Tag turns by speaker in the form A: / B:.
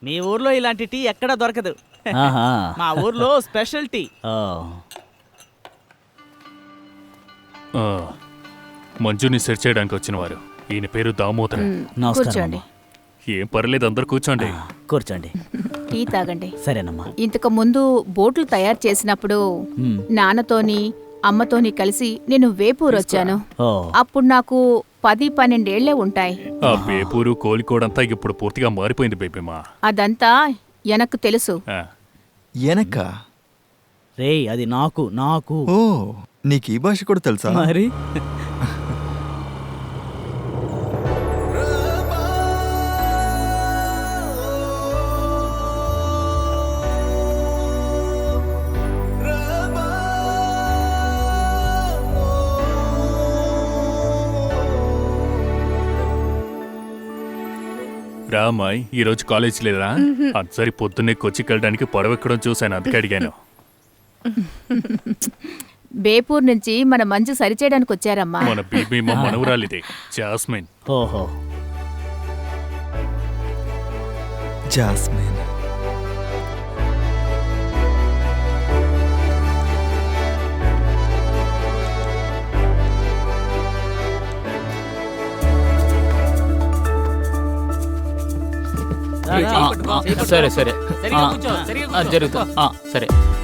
A: మీ ఊర్లో ఇలాంటి టీ ఎక్కడా దొరకదు.
B: ఆహా.
A: మా ఊర్లో స్పెషల్ టీ.
B: ఓ,
C: మంజుని సెర్చ్ చేయడానికి వచ్చిన వారు. ఈయన పేరు దామోదర్.
B: నమస్కారం
D: కూర్చోండి.
B: అమ్మా.
C: ఏం పర్లేదు, అందరు కూర్చోండి.
B: కూర్చోండి.
D: టీ తాగండి.
B: సరేనమ్మా.
D: ఇంతకు ముందు బోట్లు తయారు చేసినప్పుడు
B: మ్.
D: నాన్నతోని అమ్మతోని కలిసి నేను వేపూరు వచ్చాను.
B: ఓ,
D: అప్పుడు నాకు 10-12 ఏళ్లే ఉంటాయి.
C: ఆ బేపూరు కోలికోడంతా ఇప్పుడు పూర్తిగా మారిపోయింది బేబీమా.
D: అదంతా ఎనకు తెలుసు.
E: ఎనక
B: రేయ్ అది నాకు నాకు
E: ఓ నీకు ఈ భాష కూడా తెలుసా?
B: మరి
C: రామాయ్, ఈ రోజు కాలేజ్ లేదా? సరి పొద్దున్నే కొచ్చికి వెళ్ళడానికి పడవెక్కడం చూశాను, అందుకే అడిగాను.
D: బేపూర్ నుంచి మన మంచు సరిచేయడానికి వచ్చారమ్మా.
C: మన బేబీమా మనవరాలిదే, జాస్మిన్.
B: ఓహో,
E: జాస్మిన్.
B: సరే సరే జరుగుతా. సరే